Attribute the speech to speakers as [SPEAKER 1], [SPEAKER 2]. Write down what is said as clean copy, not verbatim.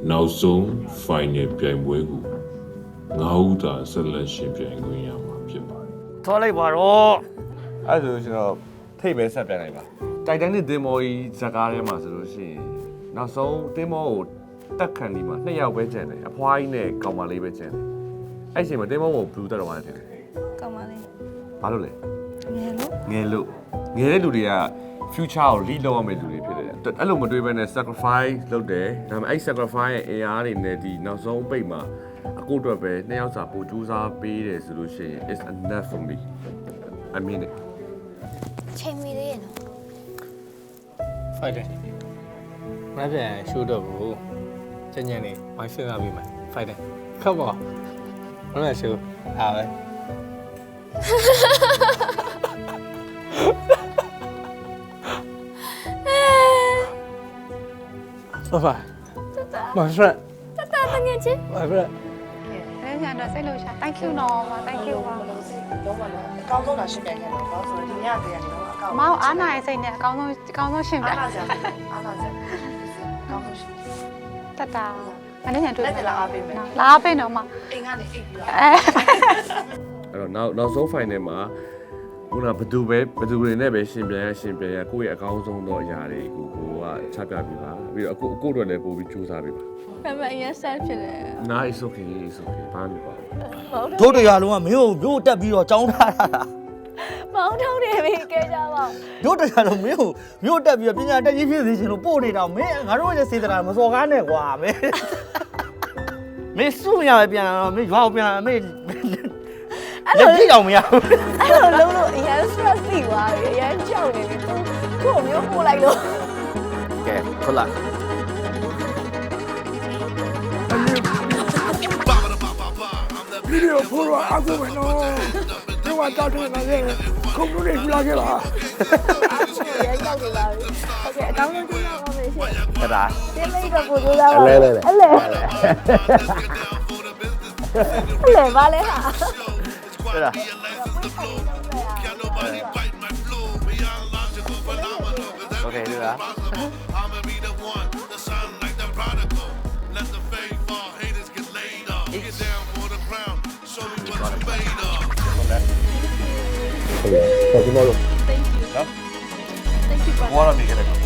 [SPEAKER 1] နောက်ဆုံး final ပြိုင်ပွဲကိုငါးဦးသာဆက်လက်ရှင်ပြိုင်ခွင့်ရမှာဖြစ်ပါတယ်
[SPEAKER 2] ထောလိုက်ပါတော့အဲ့ဒါဆိုကျွန်တော်ထိပ်ပဲဆက်ပြန်လိုက်ပါတိုက်တိုင်းနဲ့သင်္ဘောကြီးဇက်ကားထဲမှာဆိုလို့ရှိရင်နောက်ဆုံးသင်္ဘောကိုတက်ခံဒီမှာ2ယောက်ပဲကျန်တယ်အဖွားကြီးနဲ့ကောင်မလေးပဲကျန်တယ်အဲ့ချိန်မှာသင်္ဘောကိုဘလူးတက်တော့မှတယ်
[SPEAKER 3] ကောင်းပါလေ
[SPEAKER 2] ဘာလို့လဲ
[SPEAKER 3] ငယ်လို့
[SPEAKER 2] ငယ်တဲ့လူတွေက future ကို lead လုပ်ရမယ့်လူတွေဖြစ်တယ်အဲ့လိုမတွေးဘဲနဲ့ sacrifice လုပ်တယ်ဒါပေမဲ့အဲ့ sacrifice ရဲ့အင်အားတွေနဲ့ဒီနောက်ဆုံးပိတ်မှာအကိုအတွက်ပဲ2ယောက်စာပို့ကြိုးစားပေးတယ်ဆိုလို့ရှိရင် it's enough for me I mean it
[SPEAKER 3] ချိန်မီလေးရနော်
[SPEAKER 4] ဖိုက်တယ်မပြန်ရှိုးတော့ဘူးညညနေဝိုင်းစဉ်းစားပြီးမယ်ဖိုက်တယ်ခပ်ပါမလို့ရှိုးအားပဲဘာမဖရက်
[SPEAKER 3] တတငယ်ချင်း
[SPEAKER 4] မဖရက်
[SPEAKER 5] အဲ့ဒါတော့စိတ်လို့ရှာ thank you နော်ပါ thank you ပါ
[SPEAKER 6] လုံးဝလည်းအကောင်းဆုံးတာရှင်းပြခဲ့တော့ဘာဆိုတော့ဒီညတည်းကတော့အကောင်း
[SPEAKER 5] မောင်အားနာရဲ့စိတ်နဲ့အကောင်းဆုံးရှင်းပြ
[SPEAKER 6] အားလာစရာအားလာစရာအကောင်းဆုံးရှင်း
[SPEAKER 5] တတမနေ့ညတွေ့
[SPEAKER 6] လက်တလားအားပေးမယ်
[SPEAKER 5] လာအားပေးတော့မ
[SPEAKER 6] အိမ်ကနေအိတ်ပြီးတော့
[SPEAKER 2] အဲ့တော့နောက်ဆုံး final မှာခုနဘသူတွေနဲ့ပဲရှင်ပြန်ရကိုယ့်ရဲ့အကောင်းဆုံးသောအရာတွေကိုကချပြပြပါပြီးတော့အခုအတွက်လည်းပို့ပြီးကြိုးစားပေးပါ
[SPEAKER 3] မမအရင်ဆက်ဖြစ်တယ်
[SPEAKER 2] nice okayဘာမှမပါဘူး
[SPEAKER 7] တို့တရားလုံးကမင်းကိုမြို့တက်ပြီးတော့ကြောင်းထားတာ
[SPEAKER 3] မောင်းထုံးနေပြီကဲကြပါ
[SPEAKER 7] တို့တရားလုံးမင်းကိုမြို့တက်ပြီးတော့ပညာတက်ကြီးဖြစ်စေချင်လို့ပို့နေတော့မင်းငါတို့ရဲ့စေတနာမစော်ကားနဲ့ကွာမင်းမင်းစုမရပဲပြန်လာတော့မင်းရွာကိုပြန်လာမင်းလက်ကြည့်အောင်မရဘူး
[SPEAKER 3] အဲ့လိုလုံးလို့အရင် stress စီသွားပြီအရင်ကြောက်နေပြီသူ့မျိုးပို့လိုက်လို့
[SPEAKER 7] ကဲဟုတ်လား
[SPEAKER 8] ဗီဒီယိုဖိုးတော့အခုပဲနော်ဒီမှာတောက်တယ်လာခဲ့ခုံလို့နေလာခဲ့ပါ
[SPEAKER 3] ရန်ကြောက်နေပါပြီโอเคအကောင်းဆုံးကြည့်ရအောင်မယ်ရှင်
[SPEAKER 7] အဲ့ဒါ
[SPEAKER 3] တင်းလေးတော့ပို့ကြိုးစားပါအဲ့လေပါလေဟာ
[SPEAKER 7] အဲ့ဒါ Okay ဒီလား
[SPEAKER 2] ဘာလို့နေကြလဲ